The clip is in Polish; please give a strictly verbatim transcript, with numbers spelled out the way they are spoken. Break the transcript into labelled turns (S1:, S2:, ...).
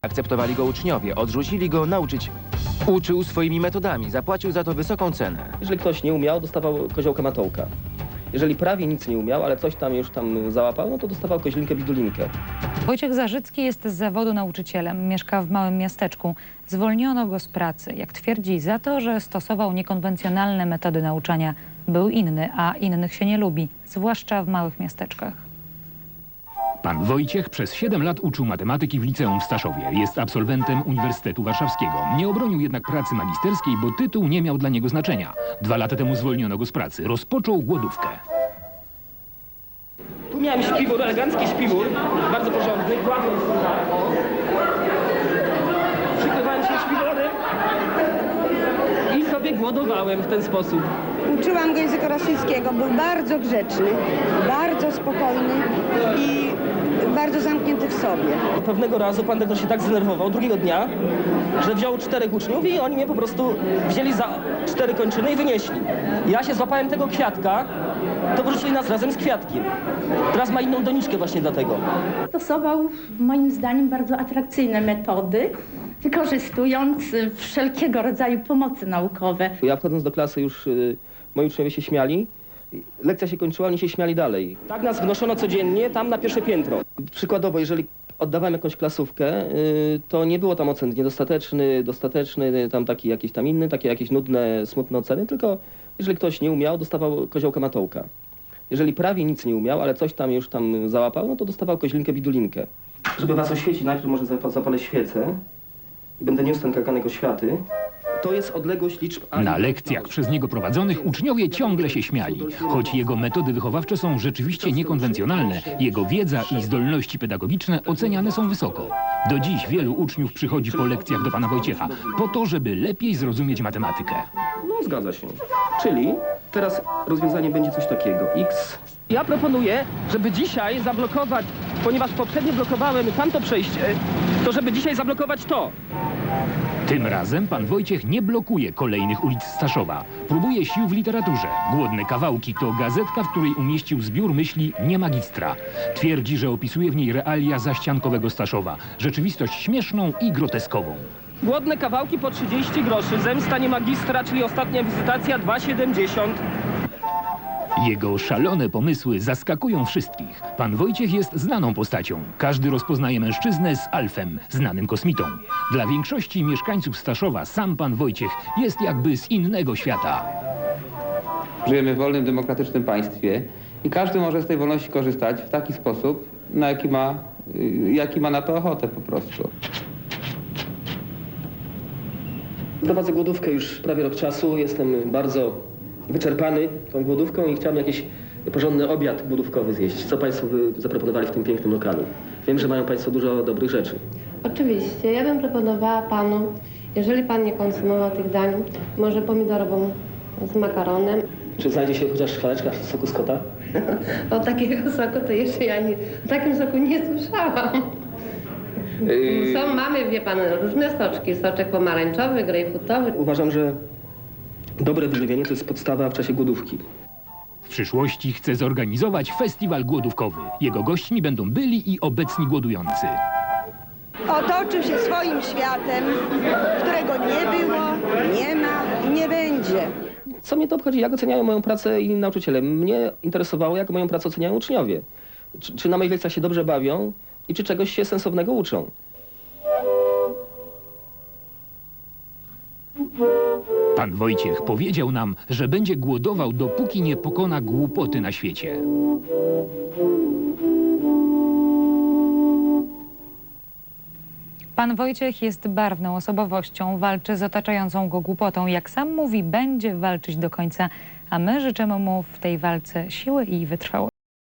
S1: Akceptowali go uczniowie, odrzucili go nauczyć. Uczył swoimi metodami, zapłacił za to wysoką cenę.
S2: Jeżeli ktoś nie umiał, dostawał koziołka matołka. Jeżeli prawie nic nie umiał, ale coś tam już tam załapał, no to dostawał koźlinkę bidulinkę.
S3: Wojciech Zarzycki jest z zawodu nauczycielem. Mieszka w małym miasteczku. Zwolniono go z pracy, jak twierdzi, za to, że stosował niekonwencjonalne metody nauczania. Był inny, a innych się nie lubi, zwłaszcza w małych miasteczkach.
S4: Pan Wojciech przez siedem lat uczył matematyki w liceum w Staszowie. Jest absolwentem Uniwersytetu Warszawskiego. Nie obronił jednak pracy magisterskiej, bo tytuł nie miał dla niego znaczenia. Dwa lata temu zwolniono go z pracy. Rozpoczął głodówkę.
S2: Tu miałem śpiwór, elegancki śpiwór, bardzo porządny, kładłem tutaj, o. Przykrywałem się śpiworem i sobie głodowałem w ten sposób.
S5: Uczyłam go języka rosyjskiego, był bardzo grzeczny, bardzo spokojny i bardzo zamknięty w sobie.
S2: Pewnego razu pan dyrektor się tak zdenerwował, drugiego dnia, że wziął czterech uczniów i oni mnie po prostu wzięli za cztery kończyny i wynieśli. Ja się złapałem tego kwiatka, to wyrzucili nas razem z kwiatkiem. Teraz ma inną doniczkę właśnie dlatego.
S6: Stosował moim zdaniem bardzo atrakcyjne metody, wykorzystując wszelkiego rodzaju pomocy naukowe.
S2: Ja wchodząc do klasy już y, moi uczniowie się śmiali. Lekcja się kończyła, oni się śmiali dalej. Tak nas wnoszono codziennie tam na pierwsze piętro. Przykładowo, jeżeli oddawałem jakąś klasówkę, y, to nie było tam ocen niedostateczny, dostateczny, tam taki jakiś tam inny, takie jakieś nudne, smutne oceny, tylko jeżeli ktoś nie umiał, dostawał koziołka matołka. Jeżeli prawie nic nie umiał, ale coś tam już tam załapał, no to dostawał koźlinkę bidulinkę. Żeby was oświecić, najpierw może zapalę świecę i będę niósł ten kaganek oświaty. To jest odległość liczb A.
S4: Na lekcjach przez niego prowadzonych uczniowie ciągle się śmiali. Choć jego metody wychowawcze są rzeczywiście niekonwencjonalne, jego wiedza i zdolności pedagogiczne oceniane są wysoko. Do dziś wielu uczniów przychodzi po lekcjach do pana Wojciecha, po to, żeby lepiej zrozumieć matematykę.
S2: No zgadza się. Czyli teraz rozwiązanie będzie coś takiego. X. Ja proponuję, żeby dzisiaj zablokować, ponieważ poprzednio blokowałem tamto przejście, to żeby dzisiaj zablokować to.
S4: Tym razem pan Wojciech nie blokuje kolejnych ulic Staszowa. Próbuje sił w literaturze. Głodne kawałki to gazetka, w której umieścił zbiór myśli nie magistra. Twierdzi, że opisuje w niej realia zaściankowego Staszowa. Rzeczywistość śmieszną i groteskową.
S2: Głodne kawałki po trzydzieści groszy. Zemsta nie magistra, czyli ostatnia wizytacja dwa siedemdziesiąt.
S4: Jego szalone pomysły zaskakują wszystkich. Pan Wojciech jest znaną postacią. Każdy rozpoznaje mężczyznę z Alfem, znanym kosmitą. Dla większości mieszkańców Staszowa sam pan Wojciech jest jakby z innego świata.
S7: Żyjemy w wolnym, demokratycznym państwie i każdy może z tej wolności korzystać w taki sposób, na jaki ma, jaki ma na to ochotę po prostu.
S2: Prowadzę głodówkę już prawie rok czasu. Jestem bardzo wyczerpany tą głodówką i chciałbym jakiś porządny obiad głodówkowy zjeść. Co państwo by zaproponowali w tym pięknym lokalu? Wiem, że mają państwo dużo dobrych rzeczy.
S8: Oczywiście. Ja bym proponowała panu, jeżeli pan nie konsumował tych dań, może pomidorową z makaronem.
S2: Czy znajdzie się chociaż szklaneczka soku z kota?
S8: O takiego soku to jeszcze ja nie, o takim soku nie słyszałam.
S2: Yy...
S8: Są, mamy, wie pan, różne soczki. Soczek pomarańczowy, grejpfrutowy.
S2: Uważam, że dobre wyżywienie to jest podstawa w czasie głodówki.
S4: W przyszłości chce zorganizować festiwal głodówkowy. Jego gośćmi będą byli i obecni głodujący.
S5: Otoczył się swoim światem, którego nie było, nie ma i nie będzie.
S2: Co mnie to obchodzi? Jak oceniają moją pracę inni nauczyciele? Mnie interesowało, jak moją pracę oceniają uczniowie. Czy, czy na moich lekcjach się dobrze bawią i czy czegoś się sensownego uczą.
S4: Pan Wojciech powiedział nam, że będzie głodował, dopóki nie pokona głupoty na świecie.
S3: Pan Wojciech jest barwną osobowością, walczy z otaczającą go głupotą. Jak sam mówi, będzie walczyć do końca, a my życzymy mu w tej walce siły i wytrwałości.